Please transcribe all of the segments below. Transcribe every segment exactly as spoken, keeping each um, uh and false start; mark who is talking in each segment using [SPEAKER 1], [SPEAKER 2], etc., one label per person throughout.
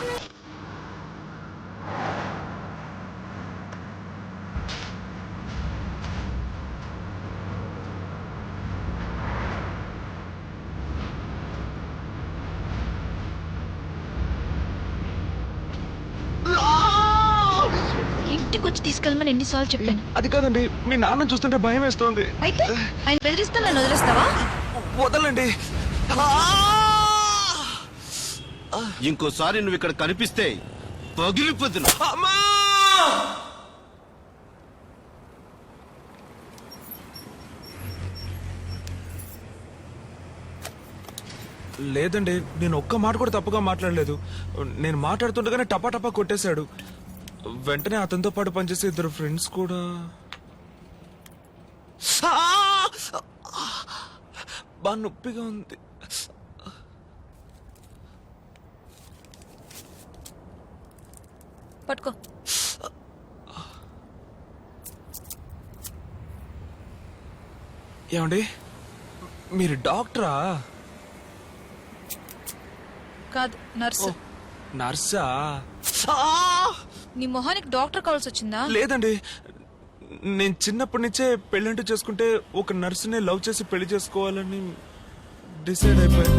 [SPEAKER 1] ఇంటికి వచ్చి తీసుకెళ్ళమని ఎన్నిసార్లు చెప్పాను.
[SPEAKER 2] అది కాదండి, మీ నాన్న చూస్తుంటే భయం వేస్తోంది.
[SPEAKER 1] అయితే ఆయన బెదిరిస్తే నన్ను వదిలేస్తావా?
[SPEAKER 2] వదలండి.
[SPEAKER 3] ఇంకోసారి నువ్వు ఇక్కడ కనిపిస్తే పగిలిపోతున్నా.
[SPEAKER 2] లేదండి, నేను ఒక్క మాట కూడా తప్పుగా మాట్లాడలేదు. నేను మాట్లాడుతుండగానే టపా టపా కొట్టేశాడు. వెంటనే అతనితో పాటు పనిచేసే ఇద్దరు ఫ్రెండ్స్ కూడా. బాగా నొప్పిగా ఉంది.
[SPEAKER 1] పట్టుకో.
[SPEAKER 2] ఏమండి, మీరు డాక్టరా?
[SPEAKER 1] కాదు, నర్సు.
[SPEAKER 2] నర్సా?
[SPEAKER 1] నీ మొహానికి డాక్టర్ కావాల్సి వచ్చిందా?
[SPEAKER 2] లేదండి, నేను చిన్నప్పటి నుంచే పెళ్ళంటూ చేసుకుంటే ఒక నర్సునే లవ్ చేసి పెళ్లి చేసుకోవాలని డిసైడ్ అయిపోయాను.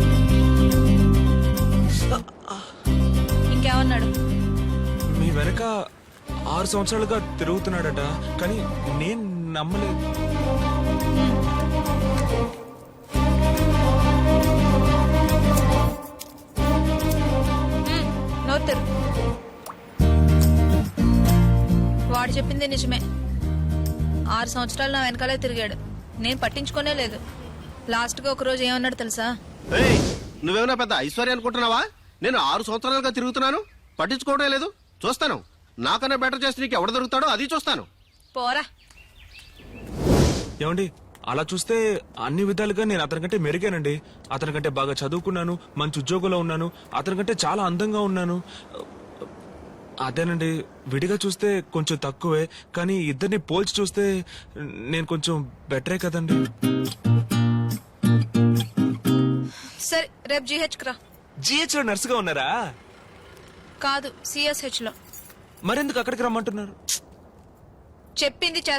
[SPEAKER 1] ఇంకేమన్నాడు?
[SPEAKER 2] మీ వెనక ఆరు సంవత్సరాలుగా తిరుగుతున్నాడట, కానీ నేను నమ్మలేదు.
[SPEAKER 1] నవ్వుతారు. వాడు చెప్పింది నిజమే. ఆరు సంవత్సరాలు నా వెనకాలే తిరిగాడు, నేను పట్టించుకోనే లేదు. లాస్ట్ గా ఒక రోజు ఏమన్నాడు తెలుసా?
[SPEAKER 3] నువ్వేమన్నా పెద్ద ఐశ్వర్య అనుకుంటున్నావా? నేను ఆరు సంవత్సరాలుగా తిరుగుతున్నాను, పట్టించుకోవడం లేదు. చూస్తాను, నాకన్నా బెటర్ చేస్తే నీకు ఎవడ దొరుకుతాడో అది చూస్తాను.
[SPEAKER 1] పోరా.
[SPEAKER 2] ఏమండి, అలా చూస్తే అన్ని విధాలుగా నేను అతనికంటే మెరుగానండి. అతనికంటే బాగా చదువుకున్నాను, మంచి ఉద్యోగంలో ఉన్నాను, అతనికంటే చాలా అందంగా ఉన్నాను. అదేనండి, విడిగా చూస్తే కొంచెం తక్కువే, కానీ ఇద్దరిని పోల్చి చూస్తే నేను కొంచెం బెటరే కదండి.
[SPEAKER 1] సరే, రేపు జీహెచ్ రా.
[SPEAKER 2] జిహెచ్ లో నర్సుగా ఉన్నారా?
[SPEAKER 1] కాదు, సిఎస్హెచ్ లో.
[SPEAKER 2] మరెందుకు అక్కడికి రమ్మంటున్నారు?
[SPEAKER 1] చెప్పింది